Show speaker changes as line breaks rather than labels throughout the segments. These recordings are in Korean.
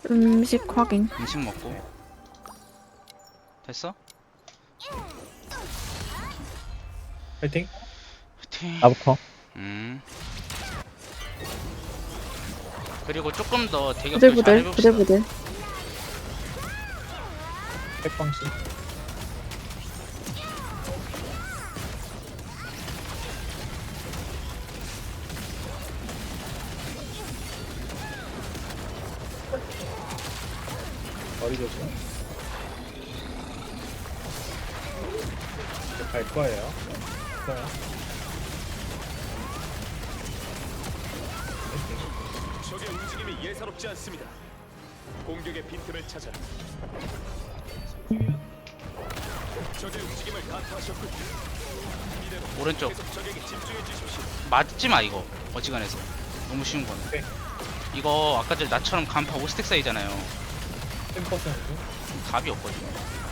음식 확인.
음식 먹고. 됐어?
파이팅.
화이팅.
나부터.
그리고 조금 더 대격도
부들부들,
잘해봅시다.
부들부들.
백방씨. 머리 조심. 이제 갈 거예요. 좋아요. 파이팅.
적의 움직임이 예사롭지 않습니다. 공격의 빈틈을 찾아 적의 움직임을 간파하셨군요. 이대로
오른쪽.
계속 적에게 집중해 주십시오.
맞지 마 이거. 어지간해서. 너무 쉬운 거네.
오케이.
이거 아까 전 나처럼 간파 5스택 사이잖아요.
10%.
답이 없거든요.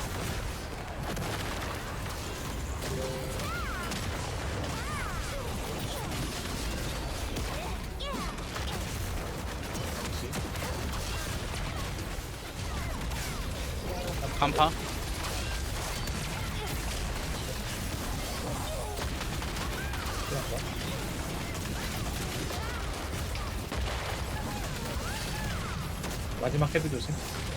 간파.
마지막 헤드 조심.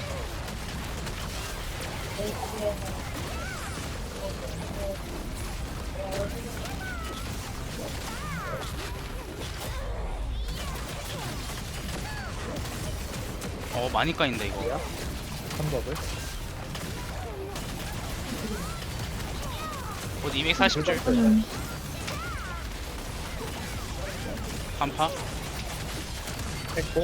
많이 까인다 이거.
3법을.
곧 240줄. 간파.
했고.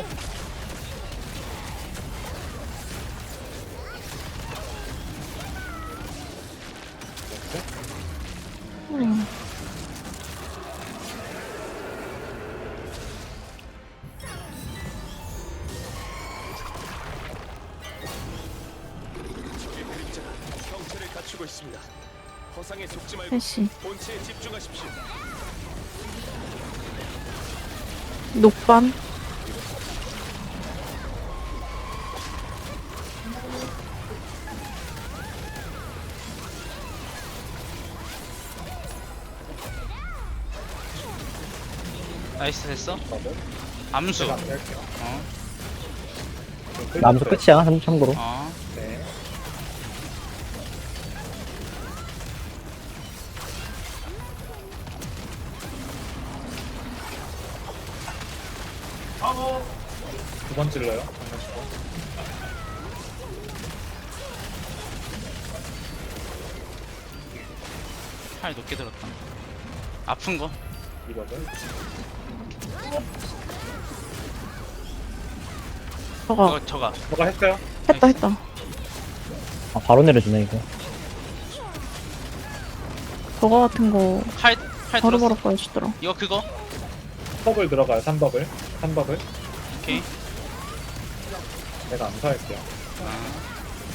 음.
적의 그림자가 형체를 갖추고 있습니다. 허상에 속지 말고
셋시.
본체에 집중하십시오.
녹반.
나이스 됐어.
법을.
암수.
제가 안 할게요.
어.
남수 끝이야, 참고로.
어.
네. 두 번 찔러요. 장난치고.
팔 높게 들었다. 아픈 거.
이거를.
저거.
이거 저가.
뭐가 했어요?
했다, 했다.
아, 바로 내려주네, 이거.
저거 같은 거
팔
바로바로
들었어.
보여주더라.
이거 그거.
법을 들어가요. 3법을. 3법을.
오케이.
내가 암살할게요.
아.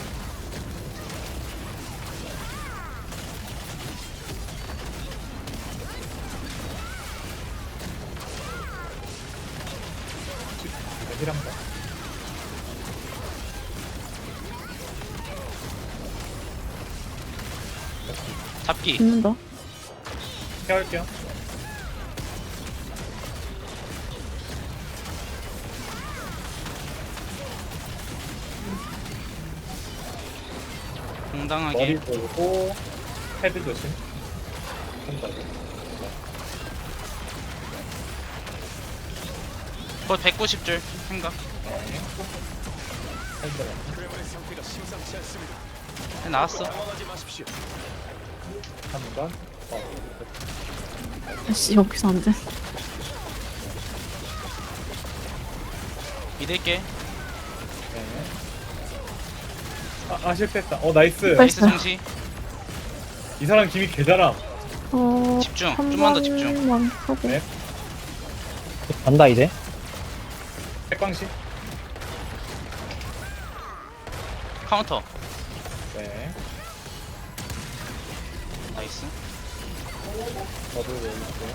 힐한다.
잡기.
죽는다.
케어할게요.
당당하게.
머리 돌고 헤드 조심. 한다고.
곧 190줄 생각.
헤드 들어가.
그레몬의 상태가 심상치 않습니다.
나왔어.
당황하지 마십시오.
한 번.
아씨, 여기서 안 돼.
믿을게.
네. 실패했다. 나이스.
나이스 성시.
이 사람 김이 개잘함.
집중.
한
좀만 더 집중.
번만 하고.
네.
간다, 이제.
백광씨.
카운터.
네.
나이스.
저도 올릴게요.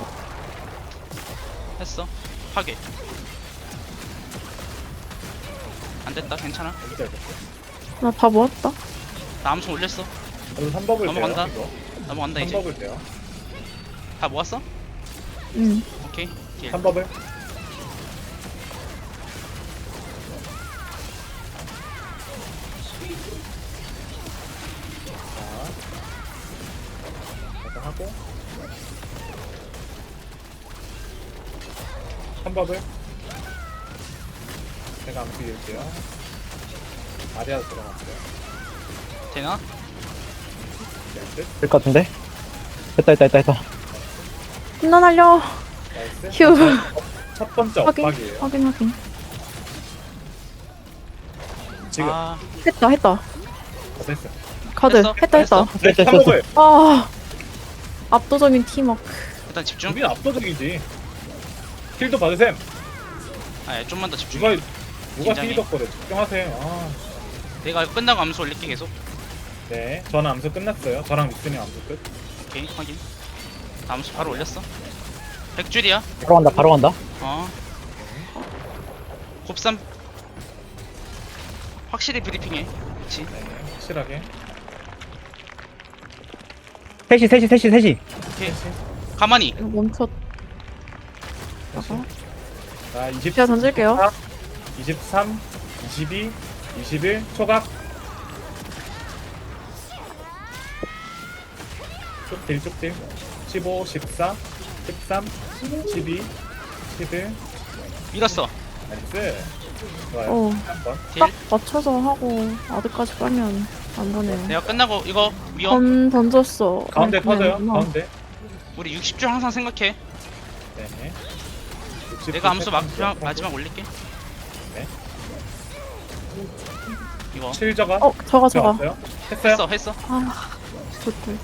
했어. 파괴. 됐다. 괜찮아.
어디 잘 됐어?
나 다 모았다.
나 암수 올렸어.
저도 3버블
넘어간다.
돼요.
넘어간다
이거.
이제.
3버블 돼요.
다 모았어?
응.
오케이. 딜.
3버블. 자, 일단 하고 3버블. 제가 암수 이을게요. 아리아 들어갔어요.
되나?
네, 끝.
될 것 같은데? 됐다.
혼나 날려.
나이스.
휴.
첫 번째
확인.
엇박이에요.
확인.
지금
아,
했다.
됐어.
카드.
했어?
했다.
했어?
네,
됐어.
3버블.
아. 압도적인 팀워크.
일단 집중.
준비는 압도적이지. 킬도 받으셈.
아, 예, 좀만 더 집중.
누가
긴장해.
킬덕거려. 집중하세요. 아.
내가 이거 끝나고 암수 올릴게 계속.
네, 저는 암수 끝났어요. 저랑 믹스님 암수 끝.
오케이, 확인. 암수 바로 올렸어. 100줄이야.
바로 간다.
어. 곱삼. 확실히 브리핑해. 그치?
네, 확실하게.
셋이.
오케이. 가만히.
이거 멈췄.
자, 20.
제가 던질게요.
23, 22, 21 초각. 쭉딜. 15, 14, 13, 12, 11.
밀었어.
나이스. 좋아요.
어.
한번.
딜.
딱 맞춰서 하고 아드까지 빨면 안 보네요.
내가 끝나고 이거 위험.
던졌어.
가운데
그냥
터져요.
그냥
가운데.
우리 60줄 항상 생각해.
네. 60,
내가 암수
네.
마지막 올릴게.
네.
이거
7저가.
저거.
들어갔어요? 했어요?
했어.
아. 좋고.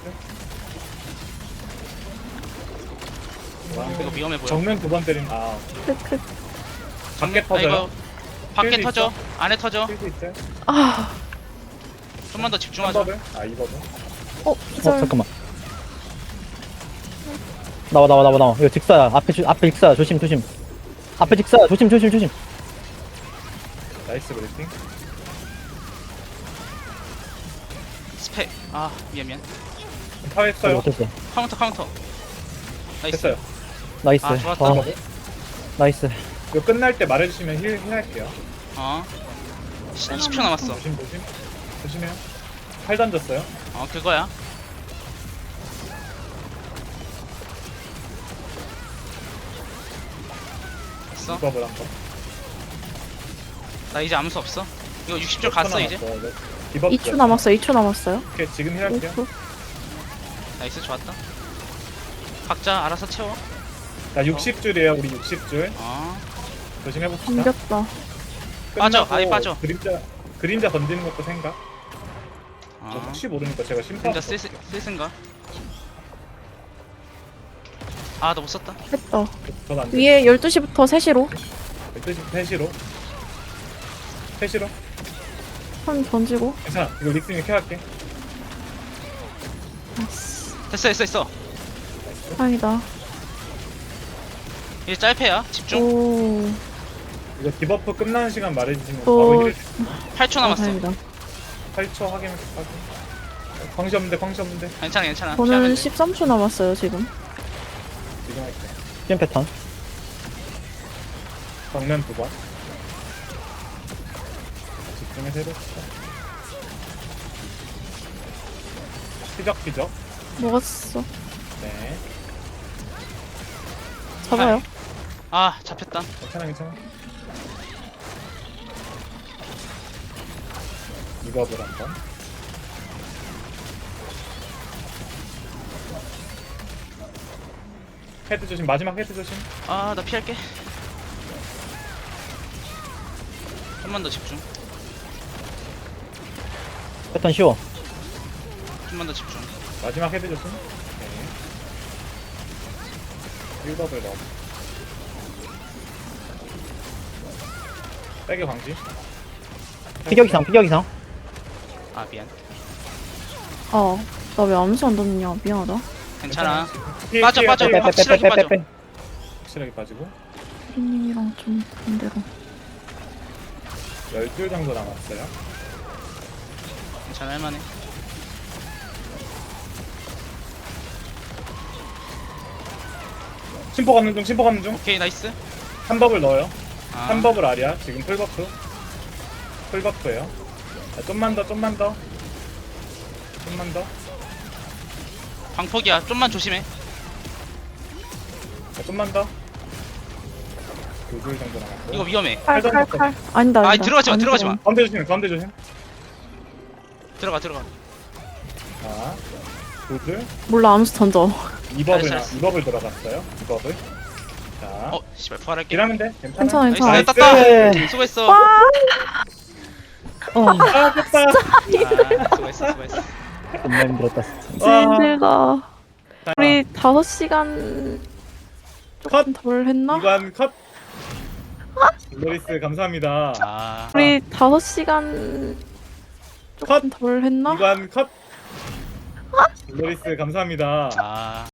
이거 위험해 보여.
정면 2번 때린. 아,
크크.
밖에
아,
터져요.
이거 밖에
필드
터져.
있어?
안에 터져.
필드 있어요?
아.
좀만 더 집중하자.
3버블? 아, 2버블.
기절.
잠깐만. 나와. 이거 직사야. 앞에 직사야. 조심. 앞에 직사야. 조심.
나이스 브리핑.
스펙. 아, 미안.
파했어요.
못했어.
카운터. 나이스.
됐어요.
나이스.
아, 좋았다.
어, 나이스.
이거 끝날 때 말해주시면 힐 할게요.
어. 20초 남았어.
조심해요. 팔 던졌어요.
어, 그거야. 됐어.
2버블 한 번.
나 이제 암수 없어. 이거 60줄 갔어 이제.
2초 남았어요. 2초 남았어요.
오케이, 지금 힐 할게요.
5초.
나이스, 좋았다. 각자 알아서 채워.
자, 60줄이에요. 우리 60줄.
어.
조심해봅시다.
감겼다.
빠져,
끝나고
아예 빠져.
그림자 던지는 것도 생각.
어.
혹시 모르니까 제가 심판.
진짜 쓸쓴가? 아, 나 못 썼다.
했다.
전안 돼.
위에 12시부터 3시로
3시로. 3시로.
한 던지고.
괜찮아. 이거 릭스님 켜할게.
아이씨.
됐어.
다행이다.
이제 짤패야. 집중.
오.
이거 디버프 끝나는 시간 말해주시면
또-
바로 힐.
8초 남았어.
다행이다.
8초 확인. 광시 없는데.
괜찮아.
저는
피하면 돼.
13초 남았어요, 지금.
지금 할게.
시험 패턴.
정면 2번. 집중해서 해봅시다. 피적.
먹었어.
네.
잡아요.
아, 잡혔다.
괜찮아. 이거를 한번. 헤드 조심. 마지막 헤드 조심.
아, 나 피할게. 좀만 더 집중.
패턴 쉬워.
좀만 더 집중.
마지막 헤드 조심. 오케이. 1버블 넣어. 빼기 광지.
피격 이상.
아, 미안.
나 왜 암수 안 던졌냐. 미안하다.
괜찮아.
피해,
빠져.
피해, 피해.
확실하게 빠져.
확실하게 빠지고.
피디님이랑 좀 반대로.
12줄 정도 남았어요.
괜찮아 할만해.
심포 가는 중, 심포 가는 중.
오케이 나이스.
3법을 넣어요.
아,
3법을 아리아. 지금 풀버프. 풀버프예요. 좀만 더, 좀만 더. 좀만 더.
광폭이야. 좀만 조심해.
좀만 더. 2줄 정도 남았고.
이거 위험해.
칼. 아니다.
아니,
아니다.
들어가지 마,
아니다.
들어가지 마.
가운데 조심, 가운데 조심.
들어가.
자, 2줄.
몰라 암수 던져.
2법을,
잘했어.
2법을 들어갔어요. 2법을. 자,
어 씨발 부활할게.
딜하면 돼. 괜찮아.
괜찮아
나이스.
괜찮아.
땄다.
네.
수고했어.
아, 됐다.
아, 수고했어.
겁나 힘들었다.
진짜 힘들다.
자,
우리 5시간
컷.
덜 했나?
이관 컷. 로리스 감사합니다.
아,
우리 5시간
컷.
덜 했나?
이관 컷. 로리스 감사합니다.
아.